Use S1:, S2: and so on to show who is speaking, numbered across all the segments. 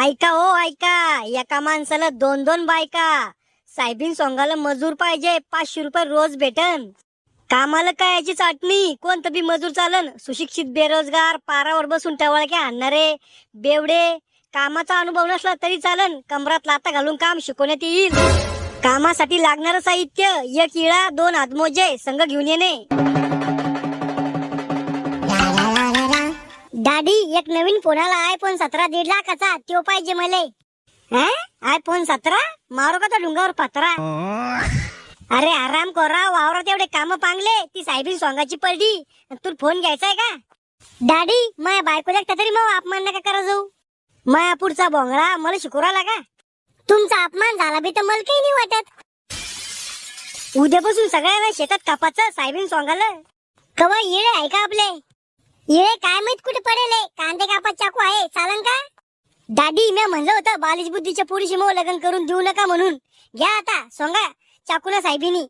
S1: ऐका हो ऐका, एका माणसाला दोन दोन बायका. साहेबीन सोंगाला मजूर पाहिजे, 500 रुपये रोज भेटन. कामाला काय याची चाटणी, कोणतं बी मजूर चालन. सुशिक्षित बेरोजगार, पारावर बसून टवळक्या आणणारे बेवडे. कामाचा अनुभव नसला तरी चालन, कमरात लाता घालून काम शिकवण्यात येईल. कामासाठी लागणारं साहित्य, एक इळा, 2 हातमोजे संघ घेऊन येणे. दादी, एक नवीन फोन आला, iPhone 17 1.5 लाखाचा, तो पाहिजे मले. iPhone 17 मारू का तो डुंगावर पत्रा. अरे आराम करा, वावरात एवढे काम पांगले, ती साहेबीन सोंगाची पडली, तू फोन घ्यायचाय का? दादी, माझ्या बायकोला तरी मग अपमान नका करा जाऊ. माया पुढचा भोंगळा मला शिकू राहिला का? तुमचा अपमान झाला बी तर मला काही नाही वाटत. उद्यापासून सगळ्यांना शेतात कापाचं साहेबीन सोंगाला. कवा येळे आहे का आपले? येळे काय माहित कुठे पडेल. कांदे कापत चाकू आहे, चालन का? दादी, मी म्हणलं होतं बालिश बुद्धीच्या पुरुषी मग लग्न करून देऊ नका म्हणून. घ्या आता सोंगा चाकूना साहेबीनी.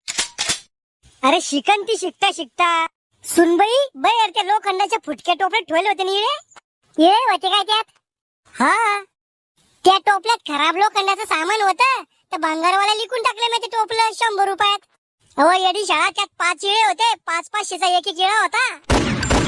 S1: अरे शिकन ती शिकता शिकता. सुनबाई बाई, त्या लोखंडाच्या फुटक्या टोपल्यात ठेवले होते ना येळे होते काय त्यात? हा, त्या टोपल्यात खराब लोखंडाचं सामान होतं, तर भंगारवाला लिखून टाकले मी ते टोपलं 100 रुपयात. अहो येडी शाळा, त्यात 5 इळे होते, 500-500चा एक इळा होता.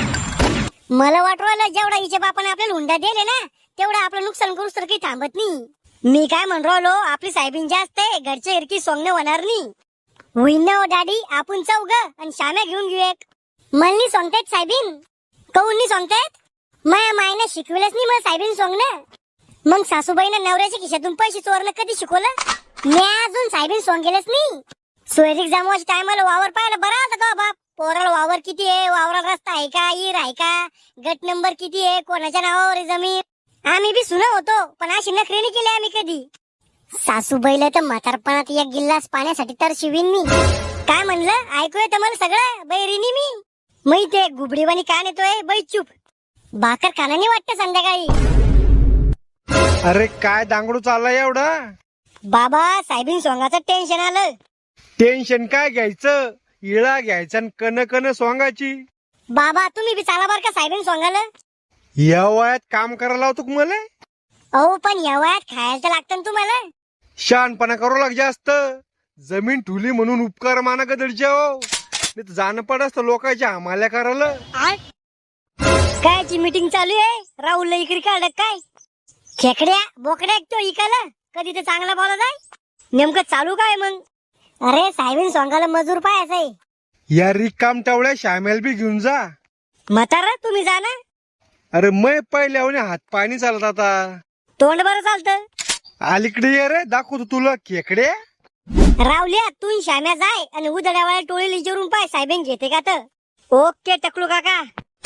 S1: मला वाटलं जेवढा हिच्या बापाने आपल्याला हुंडा दिले ना, तेवढा आपलं नुकसान करूच तर काही थांबत नाही. मी काय म्हण राहिलो, आपली साहेबीन जास्त आहे, घरच्या इरकी सोंगणे होणार नाही. होईन ना हो दादी, आपण चौघ आणि श्याम्या घेऊन घेऊ एक. मला सांगतायत साहेबीन, कहून नाही सांगतायत? माया मायने शिकविलंच नाही मला साहेबीन सोंगणं. मग सासूबाईनं नवऱ्याच्या खिशातून पैसे चोरणं कधी शिकवलं? मी अजून साहेबीन सोंगेलच नाही. सोयरीक जमवाच्या टायमाला वावर पाहायला बरा होता का बाप? पोराला वावर किती आहे, वावराला रस्ता आहे का, इर आहे का, गट नंबर किती आहे, कोणाच्या नावावर आहे जमीन. आम्ही बी सुना होतो, पण अशी नखरे नाही केली आम्ही कधी. सासूबाईला तर म्हातारपणात एक गिल्लास पाण्यासाठी तर शिवीन मी. काय म्हणलं, ऐकू येतं मला सगळं, बैरिनी मी. मै ते गुबडीवाणी का नेतोय, बै चुप. भाकर खाण्याने वाटतं संध्याकाळी.
S2: अरे काय दांगडू चाललाय एवढा?
S1: बाबा, साहेबीन सोंगाचं टेन्शन आलं.
S2: टेन्शन काय घ्यायचं, इळा घ्यायचा आणि कन कन सोंगाची.
S1: बाबा, तुम्ही बी चाला बर का साहेबीन सोंगाला.
S2: या वयात काम करायला लावतो का मला?
S1: अहो पण या वयात खायला लागतं ना तुम्हाला.
S2: शहाणपणा करू लाग जास्त. जमीन ठुली म्हणून उपकार माना गदडचे हो. नाही तर जाणं पडत लोकांच्या हमाल्या करायला.
S1: कायची मीटिंग चालू आहे? राहुलला इकडे काढ काय? खेकड्या बोकड्या तो इकाला कधी तर चांगला बोला जाय. नेमकं चालू काय मग? अरे साहेबीन सोंगाला मजूर पाहायचं आहे.
S2: या रिकाम टावळ्या शामेल बी घेऊन जा.
S1: म्हातारा तुम्ही जा ना.
S2: अरे मै पहिल्या हात पाणी चालत आता.
S1: तोंड बरं चालतं.
S2: अलीकडे ये रे, दाखवतो तुला खेकड्या.
S1: रावल्या तू श्याम्या जाय आणि उदड्यावाळ्या टोळीला विचारून पाय साहेबीन घेते का तर. ओके टकलू काका.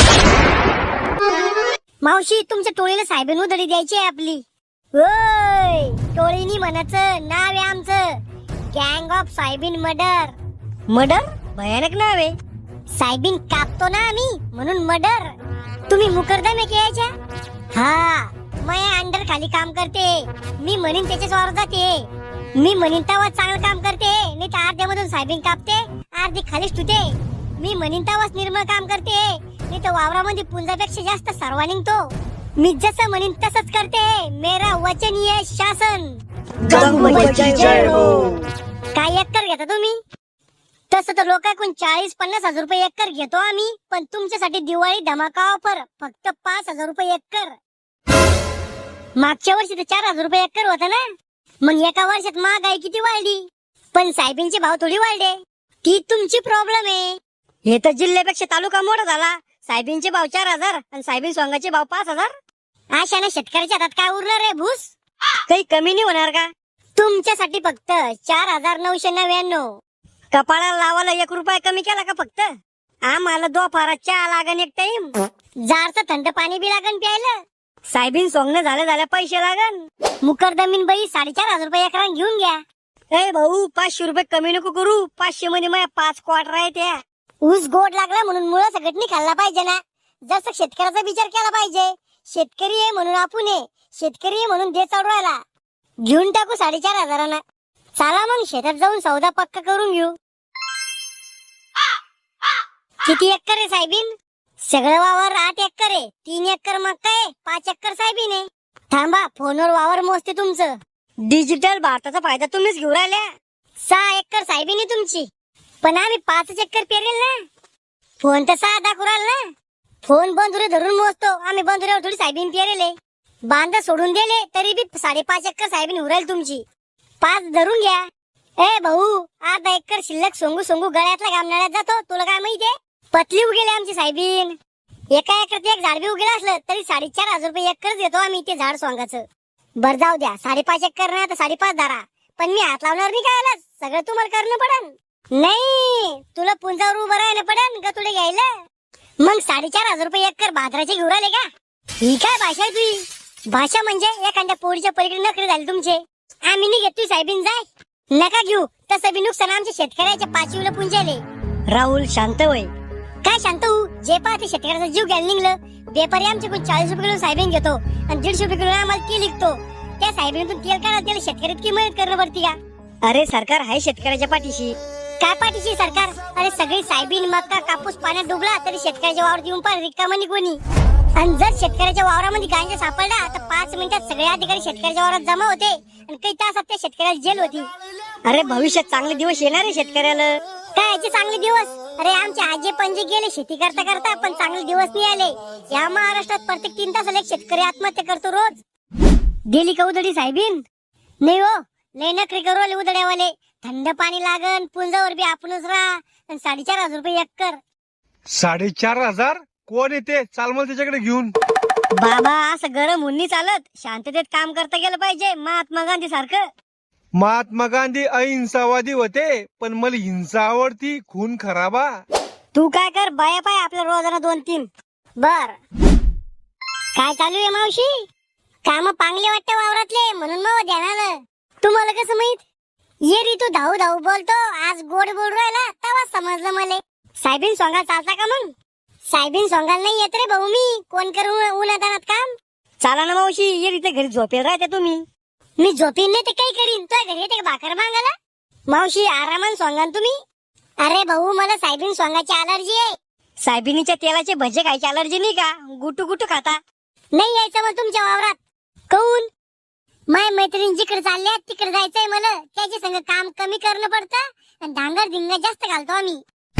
S1: मावशी, तुमच्या टोळीला साहेबीन उदडी द्यायची आहे आपली. ओय, टोळीनी म्हणायचं नाव आहे आमचं, गँग ऑफ साहेबीन मर्डर. मर्डर भयानक नाव आहे. साहेबीन कापतो ना आम्ही म्हणून मर्डर. तुम्ही मुकरदम आहे यायच्या? हा, मैं अंडर खाली काम करते. मी म्हणीन त्याच्याच वावर जाते. मी म्हणीन तेव्हाच चांगलं काम करते, नाही तर अर्ध्यामधून साहेबीन कापते, अर्धी खालीच ठुते. मी म्हणीन तेव्हाच निर्मळ काम करते, नाही तर वावरामध्ये पुंजापेक्षा जास्त सर्वा निघतो. मी जसं म्हणीन तसंच करते. मेरा वचनीय शासन. काय एकर घेता तुम्ही? तसं तर लोकांकडून 40-50 हजार रुपये एकर घेतो आम्ही, पण तुमच्यासाठी दिवाळी धमाका ऑफर फक्त 5,000 रुपये एकर. मागच्या वर्षी तर 4,000 रुपये एकर होता ना. मग एका वर्षात महागाई किती वाढली, पण साहेबींचे भाव थोडी वाढले. ती तुमची प्रॉब्लेम आहे. हे तर जिल्ह्यापेक्षा तालुका मोठा झाला. साहेबींचे भाव 4,000 आणि साहेबीन सोंगाचे भाव 5,000. अशाने शेतकऱ्याच्या हातात काय उरणार आहे भूस? काही कमी नाही होणार का? तुमच्यासाठी फक्त 4,999. कपाळाला लावायला 1 रुपया कमी केला का फक्त? आम्हाला दोफारा चहा लागन एक टाइम, जारचं थंड पाणी बी लागन प्यायला. साहेबीन सोंगणं झाल्या पैसे लागन. मुकरदमीन बाई 4,500 रुपये एकरान घेऊन घ्या. ए भाऊ, 500 रुपये कमी नको करू. 500 मध्ये माझ्या 5 क्वार्टर आहे त्या. ऊस गोड लागला म्हणून मुळा सगळं नाही खाल्ला पाहिजे ना. जसं शेतकऱ्याचा विचार केला पाहिजे. शेतकरी आहे म्हणून आपण आहे, शेतकरी आहे म्हणून दे चालू राहिला. घेऊन टाकू 4,500. चला मग शेतात जाऊन सौदा पक्का करून घेऊ. किती एकर आहे साहेबीन? सगळं वावर 8 एकर आहे. 3 एकर मका आहे, 5 एकर साहेबीन आहे. थांबा, फोनवर वावर मोजते तुमचं. डिजिटल भारताचा फायदा तुम्हीच घेऊ राहिल्या. 6 एकर साहेबीनी तुमची, पण आम्ही 5 एकर पेरेल ना. फोन तर 6 दाखवू राहिला ना. फोन बंधुरे धरून मोजतो आम्ही, बंधुऱ्यावर थोडी साहेबीन पेरेले. बांधा सोडून दिले तरी बी 5.5 एकर साहेबीन उरायला तुमची. 5 धरून घ्या. ए भाऊ, अर्धा एकर शिल्लक सोंगू सोंगू गळ्यातला घामनाळ्यात जातो. तुला काय माहितीये? पतली उगेले आमची साहेबीन. एका एकरात एक झाड बी उगेलं असलं तरी 4,500 रुपये एकरच देतो आम्ही ते झाड सोंगाचं. बर जाऊ द्या, 5.5 एकर ना तर 5.5 धरा, पण मी हात लावणार नाही. काय सगळं तुम्हाला करणं पडन. नाही, तुला पुंजावर उभं राहायला पडन का तुला घ्यायला. मग 4,500 रुपये एकर भाद्राचे घेऊन आले का? ही काय भाषा आहे तुझी? भाषा म्हणजे एखाद्या पोरीच्या पलीकडे नखरे झाले तुमचे. आम्ही नाही घेत, तू साहेबीन जाय. नका घेऊ, तसं बी नुकसान आमच्या शेतकऱ्याच्या 5 पुंजाले. राहुल शांत होय. काय शांत होऊ? जे पाहते शेतकऱ्याचा जीव घ्यायला निघलं. व्यापारी आमच्याकडून 40 रुपये किलो साहेबीन घेतो आणि 150 रुपये किलो आम्हाला तेल विकतो. त्या साहेबीनतून तेल काढा, त्याला शेतकऱ्यात मदत करणं पडती का? अरे सरकार आहे शेतकऱ्याच्या पाठीशी. काय पाठीशी सरकार? अरे सगळी साहेबीन मक्का कापूस पाण्यात डुबला तरी शेतकऱ्याच्या वावरात येऊन पार रिकामा नाही कोणी. आणि जर शेतकऱ्याच्या वावरामध्ये गांजा सापडला तर 5 मिनिटात सगळे अधिकारी शेतकऱ्याच्या वावरात जमा होते आणि काही तासात त्या शेतकऱ्याला जेल होती. अरे भविष्यात चांगले दिवस येणार आहे शेतकऱ्याला. काय याचे चांगले दिवस? अरे आमचे आजे पंजे गेले शेती करता करता, पण चांगले दिवस नाही आले. या महाराष्ट्रात प्रत्येक 3 तासाला एक शेतकरी आत्महत्या करतो रोज. गेली का उधडी साहेबीन? नाही हो, लय नखरे करू आले उधड्यावाले. थंड पाणी लागन, पुंजावर बी आपणच राहा. 4,500 रुपये एकर.
S2: 4,500? कोण येते? चाल मला त्याच्याकडे घेऊन.
S1: बाबा, असं गरम होऊन नाही चालत. शांततेत काम करता गेलं पाहिजे, महात्मा गांधी सारखं.
S2: महात्मा गांधी अहिंसावादी होते, पण मला हिंसा आवडती, खून खराबा.
S1: तू काय कर, बाया पाय आपल्या रोजाना 2-3. बर, काय चालू आहे मावशी? काम पांगले वाटतं वावरातले, म्हणून मग ध्यान आलं. तुम्हाला कसं माहित? ये री, तू धाऊ धाऊ बोलतो, आज गोड बोल राहिला तेव्हा समजलं मला. साहेबीन सोंगा चालता का मग? साहेबीन सोंगाला नाही येत रे भाऊ मी. कोण करू उन्हातानात काम? चाला ना मावशी, ये रीते घरी झोपेल राहते तुम्ही. मी झोपीन नाही ते काही करीन. तुझ्या घरी येते का भाकर मागायला? मावशी आरामान सोंगा तुम्ही. अरे भाऊ, मला साहेबीन सोंगाची अलर्जी आहे. साहेबिनीच्या तेलाचे भजे खायची अलर्जी नाही का? गुटू गुटू खाता. नाही यायचं मग तुमच्या वावरात. काऊन? माय मैत्रीण जिकडे चालल्या तिकडे जायचंय मला. त्याच्या संग काम कमी करणं पडतं आणि धांगर धिंगा जास्त घालतो आम्ही.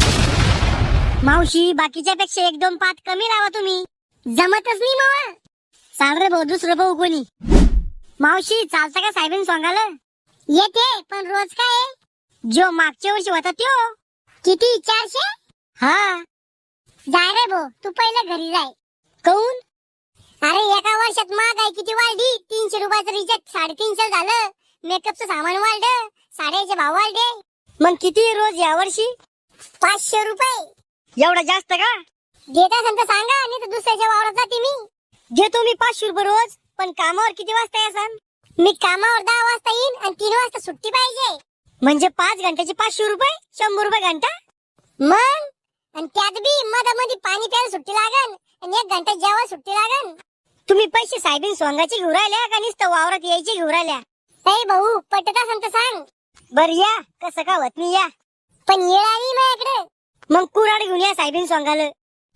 S1: मावशी, बाकीच्या पेक्षा 1-2 पात कमी लावा तुम्ही. जमतच नाही मावा. चाल रे भाऊ, दुसरं भाऊ कोणी. मावशी चालता का साहेबीन सोंगाला? येते, पण रोज काय? जो मागच्या वर्षी होता त्यो. किती? 400? हा. जाय रे भाऊ, तू पहिला घरी जाय. काऊन? अरे एका वर्षात महागाई किती वाढली. 300 रुपयाचं रिचार्ज 350 झालं. मेकअपचं सामान वाढलं, साड्याचे भाव वाढले. मग किती रोज या वर्षी? 500 रुपये. एवढा जास्त का? देत असेल तर सांगा, नाही तर दुसऱ्याच्या वावरात जाते मी. देतो मी 500 रुपये रोज, पण कामावर किती वाजता यासन? मी कामावर 10 वाजता येईन आणि 3 वाजता सुट्टी पाहिजे. म्हणजे 5 घंट्याचे 500 रुपये, 100 रुपये घंटा. मग आणि त्यात बी मधामध्ये पाणी प्यायला सुट्टी लागन आणि 1 घंटा जेव्हा सुट्टी लागन. तुम्ही पैसे साहेबीन सोंगाची घेऊन राहिल्या का नुसतं वावरात यायचे घेऊन राहिल्या? नाही भाऊ, पटत असेल तर सांग. बर या, कसं का होत नाही या. पण येळ आली माझ्याकडे. मग कुराड घेऊन या साहेबीन सोंगाला.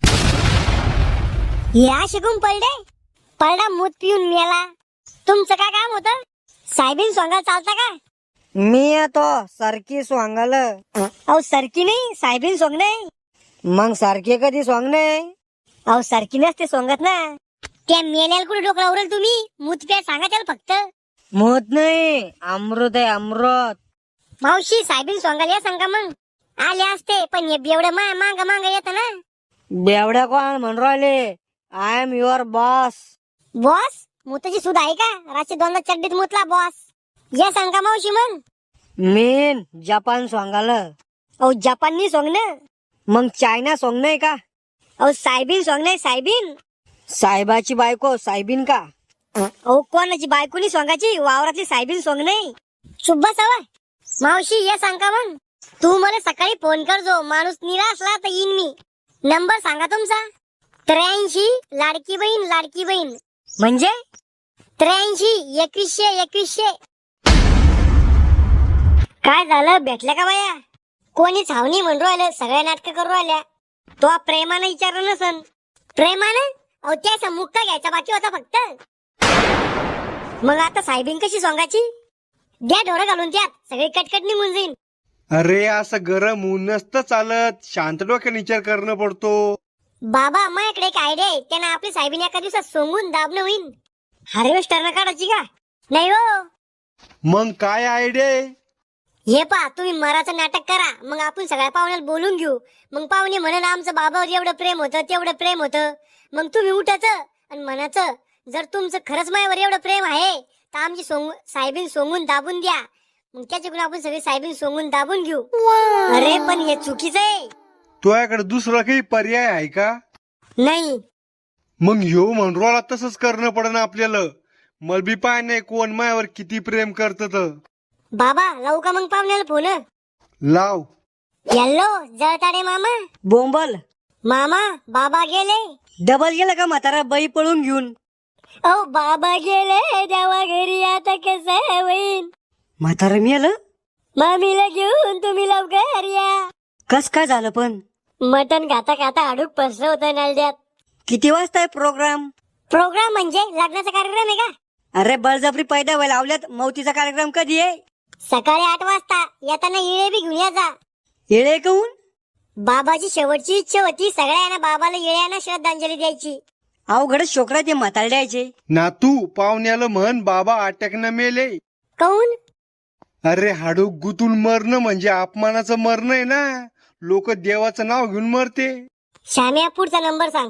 S1: या शिकून पडला मूत पिऊन मेला. तुमचं काय काम होतं? साहेबीन सोंगाला चालता का?
S3: मी येतो सारखी सोंगाला.
S1: अहो सारखी नाही, साहेबीन सोंग नाही.
S3: मग सारखी कधी सोंगणे?
S1: अहो सारखी नसते सोंगत ना. त्या मेल्याला कुठे डोकला उरेल तुम्ही? मूत प्या सांगा त्याला फक्त.
S3: मोत नाही, अमृत आहे अमृत.
S1: मावशी साहेबीन सोंगाला या सांगा मग. आले असते, पण हे बेवढं मांग येत ना.
S3: बेवड्या कोण म्हणून राहिले? I am your boss.
S1: Boss? मुताची सूद आहे का? रात्री 2दा चड्डीत मुतला बॉस. या सांगा मावशी मग.
S3: मीन जपान सोंगाला.
S1: अहो जपानी सोंग ना.
S3: मग चायना सोंग नाही का?
S1: अहो साहेबीन सोंग नाही, साहेबीन.
S3: साहेबाची बायको साहेबीन का?
S1: अहो कोणाची बायकोनी सोंगाची? वावरातली साहेबीन सोंग नाही. शुभ सवय. मावशी या सांगा मग. तू मला सकाळी फोन कर, जो माणूस निरा असला तर येईन मी. नंबर सांगा तुमचा. 83 लाडकी बहीण. म्हणजे 83 2100. काय झालं, भेटल्या का बाया? कोणी छावणी म्हणून राहिलं, सगळ्या नाटकं करू राहिल्या. तो प्रेमानं विचारलं नसन. प्रेमानं? अहो त्याचा मुक्का घ्यायचा बाकी होता फक्त. मग आता साहेबीन कशी सोंगाची? द्या ढोरं घालून त्यात, सगळी कटकट निघून जाईन.
S2: अरे असं गरम ऊन नसतं चालत, शांत डोक्याने विचार करणं पडतो.
S1: बाबा माझ्याकडे एक आयडिया आहे, त्यांना आपली साहेबीन एका दिवसात सोंगून दाबणं होईन. हार्वेस्टर काढायची का? नाही हो.
S2: मग काय आयडिया आहे?
S1: हे पा, तुम्ही मराचं नाटक करा, मग आपण सगळ्या पाहुण्याला बोलून घेऊ. मग पाहुणे म्हणून आमचं बाबावर एवढं प्रेम होतं, तेवढं प्रेम होतं. मग तुम्ही उठायचं आणि म्हणायचं, जर तुमचं खरंच माझ्यावर एवढं प्रेम आहे तर आमची साहेबीन सोंगून दाबून द्या. मग त्याच्याकडून आपण सगळे साहेबीन सोंगून दाबून घेऊ. अरे पण हे चुकीचं आहे.
S2: तुझ्याकडे दुसरा काही पर्याय आहे का?
S1: नाही.
S2: मग ह्यो म्हणरोला तसंच करणं पडन आपल्याला. मलबी पाय नाही कोण मायावर किती प्रेम करत.
S1: बाबा लावू का मग पाहुण्याला फोन?
S2: लाव.
S1: हॅलो जळताडे मामा.
S3: बोंबल
S1: मामा बाबा गेले.
S3: डबल गेला का म्हातारा बाई पळून घेऊन?
S1: ओ बाबा गेले देवा घरी, आता कसं होईन?
S3: म्हातारा मेलं?
S1: मामीला घेऊन तुम्ही लवकर या.
S3: कस काय झालं पण?
S1: मटण खाता खाता अडूक पसरं होतं नलड्यात.
S3: किती वाजता आहे प्रोग्राम?
S1: प्रोग्राम म्हणजे लग्नाचा कार्यक्रम आहे का?
S3: अरे बळजबरी पैदा व्हायला लावल्यात. मौतीचा कार्यक्रम कधी आहे?
S1: सकाळी 8 वाजता. येताना इळे बी घेऊन या जा.
S3: येळे कहून?
S1: बाबाची शेवटची इच्छा होती सगळ्यांना बाबाला येळ्याना श्रद्धांजली द्यायची.
S3: अवघड शोकरा ते म्हातार द्यायचे.
S2: नातू पाहुण्याला म्हण बाबा अटॅकनं मेले.
S1: काऊन?
S2: अरे हाडूक गुतून मरणं म्हणजे अपमानाचं मरण आहे ना. लोक देवाचं नाव घेऊन मरते.
S1: श्याम्या पुढचा नंबर सांग.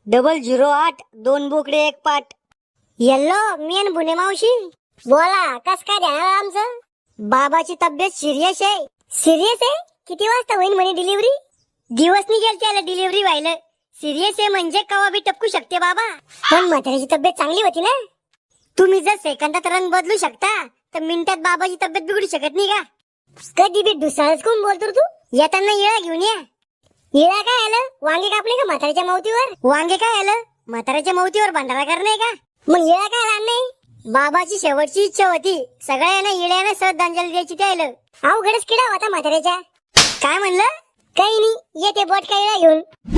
S3: 008 2 बोकडे 1 पाट.
S1: येल्लो मी आणि बुने मावशी. बोला कस काय ध्यान आलं आमचं? बाबाची तब्येत सिरियस आहे. सिरियस आहे? किती वाजता होईल म्हणे डिलिव्हरी? दिवस निघेल त्याला डिलिव्हरी व्हायला. सिरियस आहे म्हणजे कवा बी टपकू शकते बाबा. पण म्हाताऱ्याची तब्येत चांगली होती ना. तुम्ही जर सेकंदात रंग बदलू शकता तर मिनिटात बाबाची तब्येत बिघडू शकत नाही का? कधी बी दुसराच कोण बोलतो तू? येताना येळा घेऊन या. येळा काय आलं? वांगे कापले का म्हाताऱ्याच्या मावतीवर? वांगे काय आलं? म्हाताऱ्याच्या मावतीवर भांडारा करणे का? मग येळा काय आला नाही? बाबाची शेवटची इच्छा होती सगळ्यांना येळ्यानं श्रद्धांजली द्यायची त्याला. अवघडच किडा होता म्हाताऱ्याच्या. काय म्हणलं? काही नाही, येते बोट काय घेऊन.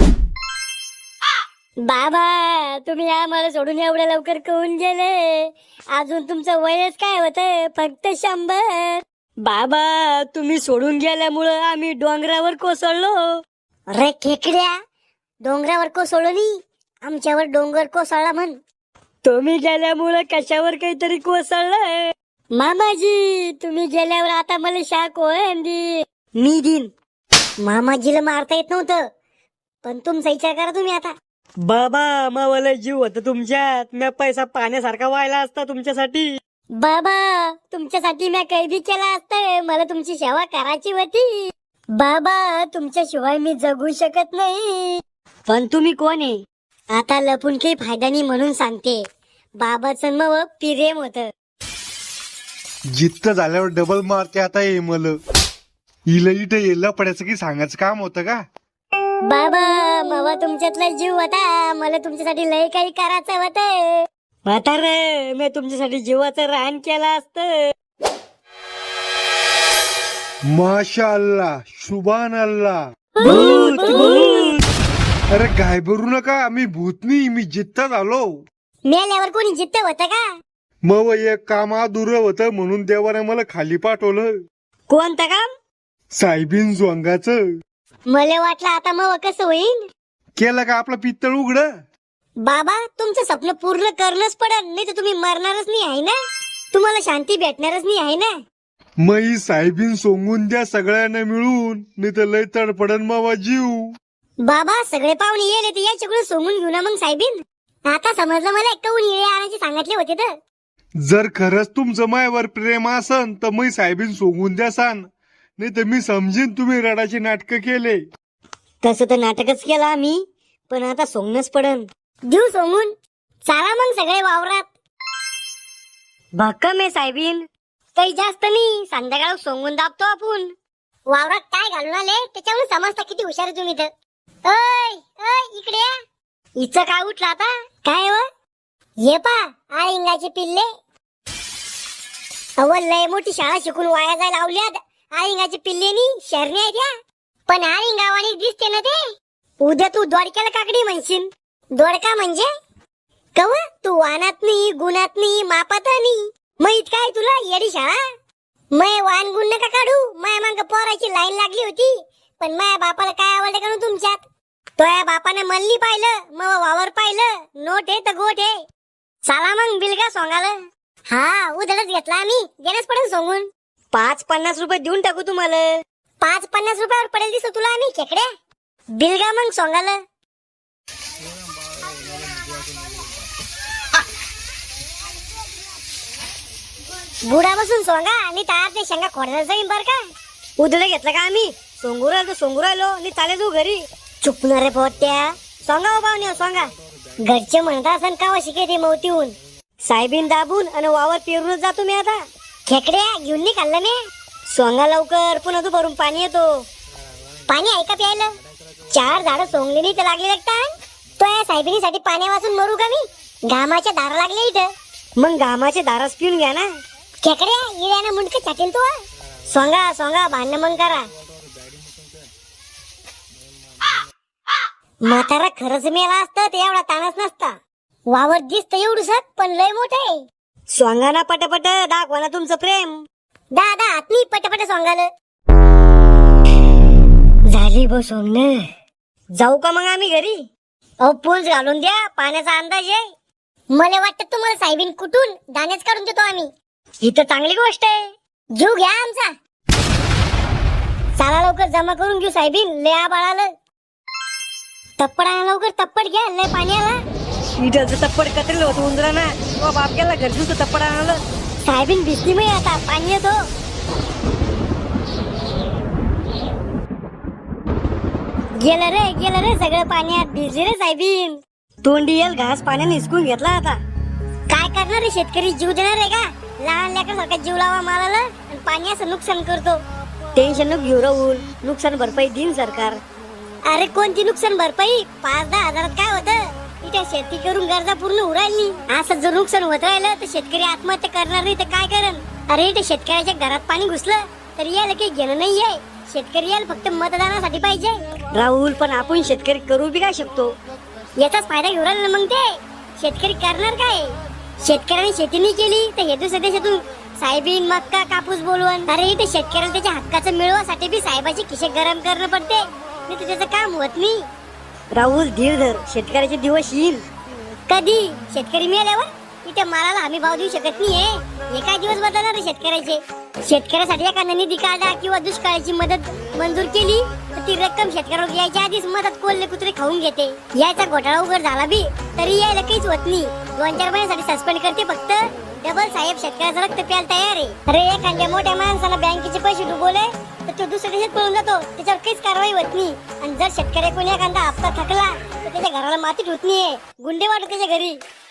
S1: बाबा तुम्ही आम्हाला सोडून एवढ्या लवकर कोण गेले? अजून तुमचं वयच काय होतं? फक्त 100.
S3: बाबा तुम्ही सोडून गेल्यामुळं आम्ही डोंगरावर कोसळलो.
S1: अरे खेकड्या, डोंगरावर कोसळलो नाही, आमच्यावर डोंगर कोसळला म्हण.
S3: तुम्ही गेल्यामुळं कशावर काहीतरी कोसळलंय.
S1: मामाजी तुम्ही गेल्यावर आता मला शाक ओळंदी. मी दिन. मामाजीला मारता येत नव्हतं, पण तुमचा विचार करा तुम्ही आता.
S3: बाबा मावाला जीव होता तुमच्यात. मी पैसा पाण्यासारखा व्हायला असता तुमच्यासाठी.
S1: बाबा तुमच्यासाठी मी काही बी केला असतं, मला तुमची सेवा करायची होती. बाबा तुमच्याशिवाय मी जगू शकत नाही.
S3: पण तुम्ही कोण आहे?
S1: आता लपून काही फायदा नाही म्हणून सांगते. बाबाचं मग प्रेम होतं.
S2: जित्त झाल्यावर डबल मारते आता हे मल. इला इथं येला पडायचं की सांगायचं काम होतं का?
S1: बाबा मावा तुमच्यातला जीव होता, मला तुमच्यासाठी लय काही करायचं होतं.
S3: म्हातारे मी तुमच्यासाठी जीवाचं रान केलं असतं.
S2: माशा अल्लाह, शुभान अल्लाह.
S3: भूत, भूत.
S2: अरे घाबरू नका, मी भूतनी, मी जित्ता झालो.
S1: मेल्यावर कोणी जिद्द होतं का?
S2: मग एक काम अधुरं होतं म्हणून देवाने मला खाली पाठवलं.
S3: कोणतं काम?
S2: साहेबीन जोंगाचं.
S1: मला वाटलं आता मग कसं होईल.
S2: केलं का आपलं पित्तळ उघड?
S1: बाबा तुमचं स्वप्न पूर्ण करणंच पडेल, नाही तर तुम्ही मरणारच नाही आहे ना. तुम्हाला शांती भेटणारच नाही आहे ना.
S2: मग साहेबीन सोंगून द्या सगळ्यांना मिळून, नाही तर लय तडपडन मावा जीव.
S1: बाबा सगळे पाहुणे येले तर याच्याकडून सोंगून घेऊ ना मग साहेबीन. आता समजलं मला, कवून येळे आणायचे सांगितले होते तर.
S2: जर खरंच तुमचं मायावर प्रेम असन तर मी साहेबीन सोंगून द्या सान, नाही तर मी समजीन तुम्ही रडाचे नाटक केले.
S3: तसं तर नाटकच केलं आम्ही, पण आता सोंगणंच पडन.
S1: देऊ सोंगून. चला मग सगळे वावरात.
S3: भक्कम आहे साहेबीन.
S1: काही जास्त नाही, संध्याकाळ सोंगून दाबतो आपण. वावरात काय घालून आले त्याच्यावरून समजता किती हुशार आहे तुम्ही तर. ओय ओय इकडे या. हिचं काय उठलं आता? काय हो? ये पा आळिंगाचे पिल्ले. अव लय मोठी शाळा शिकून वाया जायला लावल्यात. आळिंगाचे पिल्लेनी शरणे आहेत या. पण आळिंगावानी दिसते ना ते. उद्या तू दोडक्याला काकडी म्हणशील. दोडका म्हणजे कव तू मानात नाही, गुणात नाही, मापात नाही. मग इतकाय तुला येडी शाळा. मै वान गुण नका काढू. माया मांग पोराची लाईन लागली होती, पण माया बापाला काय आवडलं का तुमच्यात? तो या बापाने मल्ली पाहिलं, मग वावर पाहिलं, नोट आहे तर गोट आहे. चला मग बिलगा सोंगाला. हा उधळच घेतला आम्ही, देणंच पडेल सोंगून.
S3: 5-50 रुपये देऊन टाकू तुम्हाला.
S1: 5-50 रुपयावर पडेल दिसतो तुला आम्ही खेकड्या. बिलगा मग सोंगाला. बुडा बसून सोंगा आणि तार ते शेंगा खोडण्याचं जाईन बर का.
S3: उधळे घेतलं का आम्ही? सोंगू राहिलो सोंगू राहिलो आणि चाले जाऊ घरी.
S1: चुकणार रे पोट्या. सोंगा हो पाहुणे सोंगा. घरचे म्हणता असं कावा शिकायचे मौतीहून.
S3: साहेबीन दाबून आणि वावर पेरूनच जातो मी आता.
S1: खेकड्या घेऊन नाही खाल्लं मी.
S3: सोंगा लवकर, पुन्हा तू भरून पाणी येतो.
S1: पाणी आहे का प्यायला? 4 झाडं सोंगली नाही तर लागले लागतात. तो या साहेबिनीसाठी पाणी वाचून मरू का मी? घामाच्या धारा लागले इथं.
S3: मग घामाचे दारास पिऊन घ्या ना.
S1: खेकड्या इळ्यानं मुंडक छाटील तू. सोंगा सोंगा भांडण मग करा. म्हातारा खरंच मेला असतं ते एवढा ताणच नसता. वावर दिसत एवढूस पण लय मोठं आहे.
S3: सोंगाना पटपट दाखवा ना तुमचं प्रेम.
S1: दादा आत्मी पटपट सोंगाल.
S3: झाली बस सोंगण. जाऊ का मग आम्ही घरी?
S1: अहो पूल घालून द्या, पाण्याचा अंदाज आहे. मला वाटतं तुम्हाला साहेबीन कुठून दाण्याच काढून देतो आम्ही.
S3: ही तर चांगली गोष्ट आहे.
S1: जीव घ्या आमचा. चला लवकर जमा करून घेऊ साहेबीन. लय आबाळालं. तप्पड आणा लवकर, तप्पड घ्या, लय पाणी आला.
S3: इडचं तप्पड कतरेलं होतं उंदराना. तो बाप गेला घरचं तप्पड आणलं.
S1: साहेबीन भिजली मी आता, पाणी येतो. गेलं रे सगळं पाण्यात. भिजली रे साहेबीन.
S3: तोंडी येल घास पाण्याने हिसकून घेतला आता.
S1: काय करणार रे शेतकरी? जीव देणार आहे का? लहान लेकरासारखा जीव लावा मालाला आणि पाणी असं नुकसान करतो.
S3: टेन्शन नको घेऊ राहुल, नुकसान भरपाई देईन सरकार.
S1: अरे कोणती नुकसान भरपाई? 5-10 हजारात काय होतं? इथे शेती करून गरजा पूर्ण उरायली. असं जर नुकसान होत राहिलं तर शेतकरी आत्महत्या करणार नाही तर काय करण? अरे इथे शेतकऱ्याच्या घरात पाणी घुसलं तर याला काही घेणं नाहीये. शेतकरी याला फक्त मतदानासाठी पाहिजे.
S3: राहुल पण आपण शेतकरी करू बी काय शकतो?
S1: याचाच फायदा घेऊन राहिला ना मग ते. शेतकरी करणार काय? शेतकऱ्याने शेती नाही केली तर हे दुसऱ्या देशातून साहेबीन मक्का कापूस बोलवून. अरे इथे शेतकऱ्याला त्याच्या हक्काचं मिळवासाठी बी साहेबाचे खिशे गरम करणं पडते, नाही तर त्याचं काम होत नाही.
S3: राहुल धीर धर, शेतकऱ्याचे दिवस येईल.
S1: कधी? शेतकरी मिळाल्यावर? इथे मालाला हमी भाव देऊ शकत नाहीये. हे काय दिवस बदलणार शेतकऱ्याचे? शेतकऱ्यासाठी एखादा निधी काढला किंवा दुष्काळाची मदत मंजूर केली तर ती रक्कम शेतकऱ्यावर यायच्या आधीच मदत कोल्हे कुत्रे खाऊन घेते. याचा घोटाळा उघड झाला बी तरी यायला काहीच होत नाही. 2-4 महिन्यासाठी सस्पेंड करते फक्त. डबल साहेब शेतकऱ्याचं रक्त प्यायला तयार आहे. अरे एखाद्या मोठ्या माणसाला बँकेचे पैसे डुबवले तर तो दुसऱ्या देशात पळून जातो, त्याच्यावर काहीच कारवाई होत नाही. आणि जर शेतकऱ्या कोणी एखादा हप्ता थकला तर त्याच्या घराला माती ठुत नाहीये, गुंडे वाटत त्याच्या घरी.